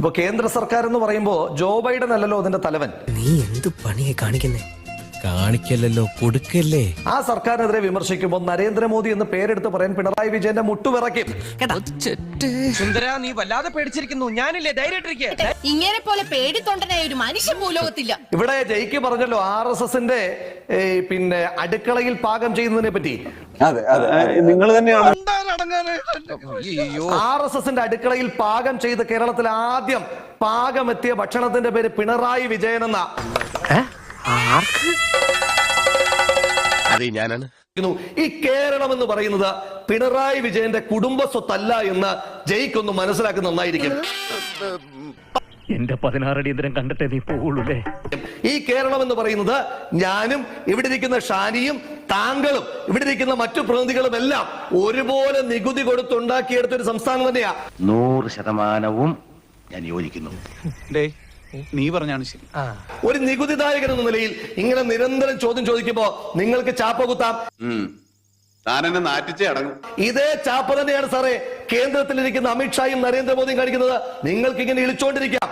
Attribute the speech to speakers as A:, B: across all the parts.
A: ഇപ്പൊ കേന്ദ്ര സർക്കാർ എന്ന് പറയുമ്പോ ജോ ബൈഡൻ അല്ലല്ലോ അതിന്റെ തലവൻ.
B: നീ എന്ത് പണിയെ കാണിക്കുന്നേ? കാണിക്കല്ലോ, കൊടുക്കല്ലേ.
A: ആ സർക്കാരിനെതിരെ വിമർശിക്കുമ്പോൾ നരേന്ദ്രമോദി എന്ന് പേരെടുത്ത് പറയാൻ പിണറായി വിജയന്റെ മുട്ടുവിറക്കും.
C: സുന്ദര, നീ വല്ലാതെ പേടിച്ചിരിക്കുന്നു. ഞാനില്ലേ, ധൈര്യമായിട്ടിരിക്കുക.
D: ഇങ്ങനെ പോലെ പേടിത്തൊണ്ടനായ ഒരു മനുഷ്യ ഭൂലോകത്തില്ല.
A: ഇവിടെ ജയിക്ക് പറഞ്ഞല്ലോ RSSന്റെ പിന്നെ അടുക്കളയിൽ പാകം ചെയ്യുന്നതിനെ പറ്റി.
E: അതെ അതെ, നിങ്ങൾ തന്നെയാണ്.
A: RSSന്റെ അടുക്കളയിൽ പാകം ചെയ്ത് കേരളത്തിൽ ആദ്യം പാകമെത്തിയ ഭക്ഷണത്തിന്റെ പേര് പിണറായി വിജയൻ എന്ന. ഈ കേരളം എന്ന് പറയുന്നത് പിണറായി വിജയന്റെ കുടുംബ സ്വത്തല്ല എന്ന് ജയിക്കൊന്ന് മനസ്സിലാക്കുന്ന നന്നായിരിക്കും.
F: എന്റെ 16 അടിയന്തരം കണ്ടിട്ടേ നീ പോവുള്ളൂല്ലേ.
A: ഈ കേരളം എന്ന് പറയുന്നത് ഞാനും ഇവിടെ ഇരിക്കുന്ന ഷാനിയും താങ്കളും ഇവിടെ ഇരിക്കുന്ന മറ്റു പ്രതിനിധികളും എല്ലാം ഒരുപോലെ നികുതി കൊടുത്തുണ്ടാക്കിയെടുത്ത ഒരു സംസ്ഥാനം തന്നെയാ.
G: 100% ഞാൻ യോജിക്കുന്നു.
H: നീ പറഞ്ഞാണ് ശരി.
A: ഒരു നികുതിദായകൻ എന്ന നിലയിൽ ഇങ്ങനെ നിരന്തരം ചോദ്യം ചോദിക്കുമ്പോ നിങ്ങൾക്ക് ചാപ്പ കുത്താം.
E: താനെന്നെ നാറ്റിച്ചേ അടങ്ങും.
A: ഇതേ ചാപ്പ തന്നെയാണ് സാറേ കേന്ദ്രത്തിലിരിക്കുന്ന അമിത്ഷായും നരേന്ദ്രമോദിയും കാണിക്കുന്നത്. നിങ്ങൾക്ക് ഇങ്ങനെ ഇളിച്ചോണ്ടിരിക്കാം.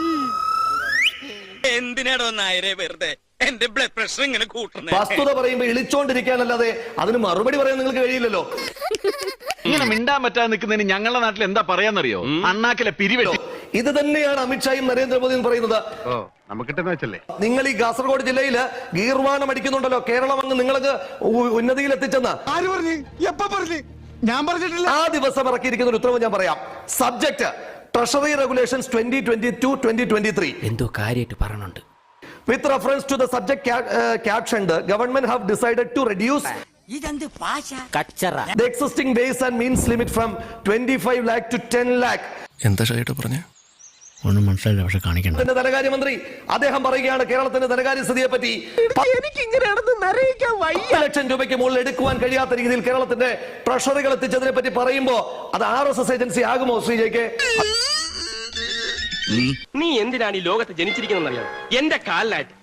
C: എന്തിനാടോ നായരെ വെറുതെ എന്റെ ബ്ലഡ് പ്രഷർ ഇങ്ങനെ കൂട്ടുന്നത്?
A: വസ്തുത പറയുമ്പോ ഇളിച്ചോണ്ടിരിക്കാനല്ലാതെ അതിന് മറുപടി പറയാൻ നിങ്ങൾക്ക് കഴിയില്ലല്ലോ.
H: ഇങ്ങനെ മിണ്ടാൻ പറ്റാതെ നിൽക്കുന്നതിന് ഞങ്ങളുടെ നാട്ടിൽ എന്താ പറയാന്നറിയോ? അണ്ണാക്കിലെ പിരിവെട്ടി.
A: ഇത് തന്നെയാണ് അമിത്ഷായും നരേന്ദ്രമോദിയും പറയുന്നത്. നിങ്ങൾ ഈ കാസർഗോഡ് ജില്ലയില് ഗീർവാണം അടിക്കുന്നുണ്ടല്ലോ, കേരളം അങ്ങ് നിങ്ങൾക്ക് ഉന്നതിയിൽ എത്തിച്ചെന്ന്.
H: ആര് പറഞ്ഞു? എപ്പ പറഞ്ഞു? ഞാൻ പറഞ്ഞിട്ടില്ല.
A: ആ ദിവസം ഇറക്കിയിരിക്കുന്ന ഒരു ഉത്തരവ് ഞാൻ പറയാം. Subject treasury regulations 2022-2023.
B: എന്തോ കാര്യമായിട്ട് പറഞ്ഞുണ്ട്.
A: With reference to the subject captioned, government have decided to reduce the existing base and means limit from 25 lakh to 10 lakh.
B: എന്താ ഷൈട്ട് പറഞ്ഞേ? ഒന്നും മനസ്സിലായില്ല, പക്ഷെ കാണിക്കണ്ട.
A: ധനകാര്യമന്ത്രി അദ്ദേഹം പറയുകയാണ് കേരളത്തിന്റെ ധനകാര്യ സ്ഥിതിയെ പറ്റി. 10 ലക്ഷം രൂപയ്ക്ക് മുകളിൽ എടുക്കുവാൻ കഴിയാത്ത രീതിയിൽ കേരളത്തിന്റെ ട്രഷറികൾ എത്തിച്ചതിനെ പറ്റി പറയുമ്പോ അത് RSS ഏജൻസി ആകുമോ ശ്രീജയ്ക്ക്?
C: നീ എന്തിനാണ് ഈ ലോകത്ത് ജനിച്ചിരിക്കുന്നറിയാം? എന്റെ കാലിലായിട്ട്